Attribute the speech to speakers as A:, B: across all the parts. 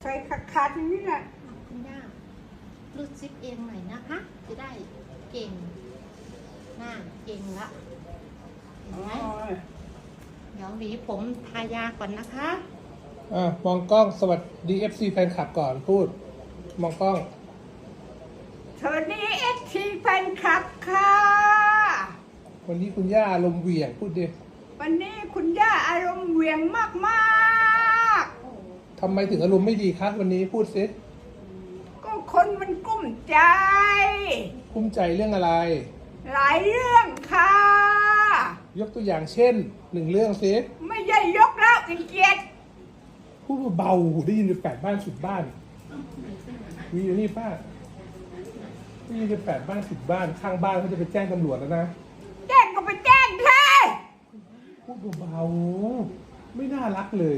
A: ใส่ขาดๆอย่างนี้แหละ
B: คุณย่ารูดซิปเองหน่อยนะคะจะได้เก่งหน้าเก่งละเห็นไหมเดี๋ยวหวีผมทายาก่อนนะคะ
C: มองกล้องสวัสดี FC แฟนคลับก่อนพูดมองกล้อง
A: สวัสดี FC แฟนคลับค่ะ
C: วันนี้คุณย่าอารมณ์เหวี่ยงพูดดิ
A: วันนี้คุณย่าอารมณ์เหวี่ยงมาก
C: ๆทำไมถึงอารมณ์ไม่ดีคะวันนี้พูดสิ
A: ก็คนมันกุ้มใจ
C: กุ้มใจเรื่องอะไร
A: หลายเรื่องค่ะ
C: ยกตัวอย่างเช่น1 เรื่องสิ
A: ไม่ใช่ยกแล้วอีกเกียรติ
C: พูดเบาๆได้ยินไป8 บ้าน10 บ้านมีอยู่นี่ป้าได้ยินไป8 บ้าน10 บ้านข้างบ้านเขาจะไปแจ้งตำรวจแล้วนะ
A: แจ้งก็ไปแจ้งเธอ
C: พูดเบาๆไม่น่ารักเลย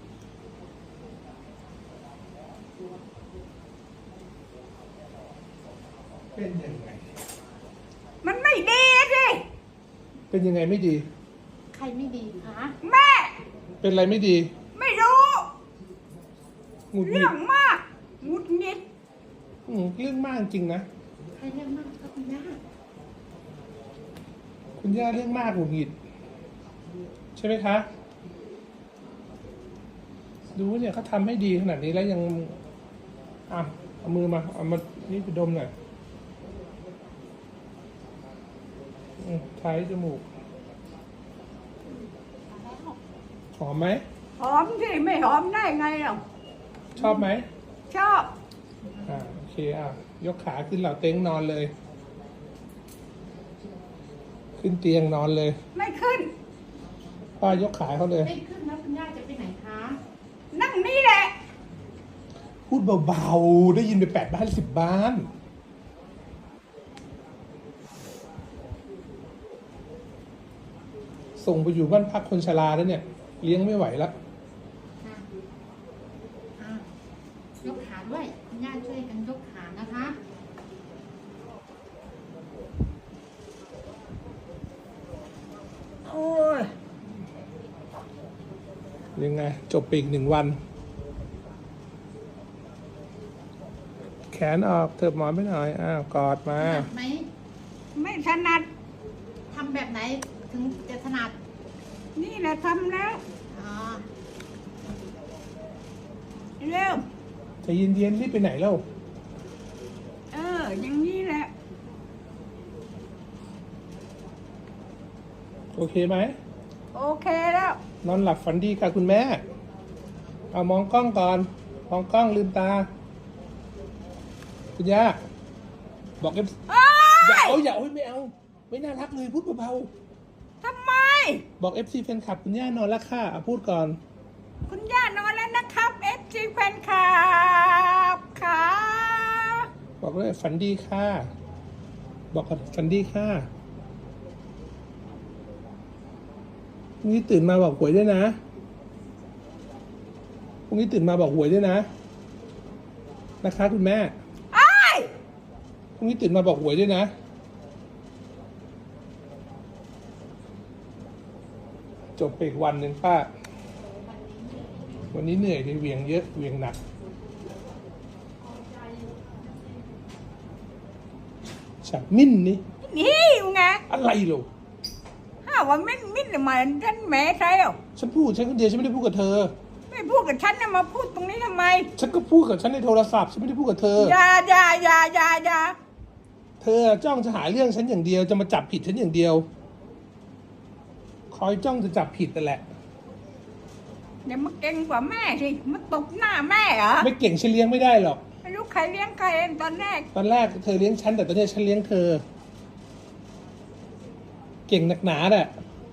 C: เป็นยังไง
A: มันไม่ดีสิ
C: เป็นยังไงไม่ดี
B: ใครไม่ดีคะ
A: แม่
C: เป็นอะไรไม่ดี
A: ไม่รู้
C: หงุดหงิด
A: เรื่องมากหงุดหงิด
C: เรื่องมากจริงนะ
B: ใครเรื่องมากครับคุณย่า
C: คุณย่าเรื่องมากหงุดหงิดใช่ไหมคะดูเนี่ยเขาทำให้ดีขนาดนี้แล้วยังเอามือมาเอามานี่ไปดมหน่อยใช้จมูกหอมไหม
A: หอมสิไม่หอมได้ไงหรอ
C: ชอบไหม
A: ชอบ
C: โอเคยกขาขึ้นเหล่าเต็งนอนเลยขึ้นเตียงนอนเลย
A: ไม่ขึ้น
C: ป้ายกขาเขาเลย
B: ไม่ขึ้นแล้วคุณย่าจะไปไหนคะ
A: นั่งนี่แหละ
C: พูดเบาๆได้ยินไป8 บ้าน10 บ้านส่งไปอยู่บ้านพักคนชราแล้วเนี่ยเลี้ยงไม่ไหวแล้ว
B: ยกขาด้วยคุณย่าช่วยกันยกขานะคะ
A: โอ้ย
C: ยังไงจบไปอีก1 วันแขนออกเถิบหมอนไปหน่อยกอดมา
B: ไหม
A: ไม่ถนัด
B: ทำแบบไหนถึงจะถนัด
A: นี่แหละทำแล้วเร็ว
C: จะเย็นๆรีบไปไหนแล้ว
A: อย่างนี้แหละ
C: โอเคไหม
A: โอเคแล้ว
C: นอนหลับฝันดีค่ะคุณแม่เอามองกล้องก่อนมองกล้องลืมตาคุณย่าบอกอย่าเอาไม่เอาไม่น่ารักเลยพูดเบา
A: ๆทำไม
C: บอก FC แฟนคลับคุณย่านอนแล้วค่ะพูดก่อน
A: คุณย่านอนแล้วนะครับ FC แฟนคลับค่ะ
C: บอกเลยฝันดีค่ะบอกก่อนฝันดีค่ะพรุ่งนี้ตื่นมาบอกหวยด้วยนะพรุ่งนี้ตื่นมาบอกหวยด้วยนะนะคะคุณแม่พรุ่งนี้ตื่นมาบอกหวยด้วยนะจบไปอีกวันหนึ่งป้าวันนี้เหนื่อยเลยเหวี่ยงเยอะเหวี่ยงหนักฉันมิ้นนี่
A: ไง
C: อะไรหรอ
A: ว่ามิ้นทำไมฉันแหมใช่หรอ
C: ฉันพูดฉันคนเดียวฉันไม่ได้พูดกับเธอ
A: ไม่พูดกับฉันนะมาพูดตรงนี้ทำไม
C: ฉันก็พูดกับฉันในโทรศัพท์ฉันไม่ได้พูดกับเธอ
A: อย่า
C: เธอจ้องจะหาเรื่องฉันอย่างเดียวจะมาจับผิดฉันอย่างเดียวคอยจ้องจะจับผิดแต่แหละ
A: อย่ามาเก่งกว่าแม่สิมาตบหน้าแม่เหรอ
C: ไม่เก่งฉันเลี้ยงไม่ได้หรอก
A: ไม่รู้ใครเลี้ยงใครเองตอนแรก
C: เธอเลี้ยงฉันแต่ตอนนี้ฉันเลี้ยงเธอเก่งหนักหนาแหละ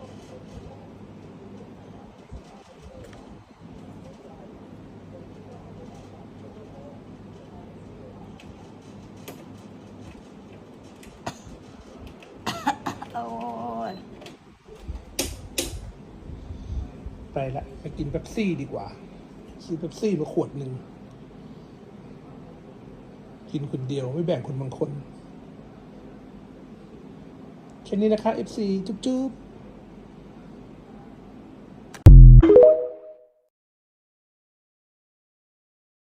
C: ไปละไปกินเป๊ปซี่ดีกว่าซื้อเป๊ปซี่มาขวดหนึ่งกินคนเดียวไม่แบ่งคนบางคนแค่นี้นะคะ FC จุ๊บ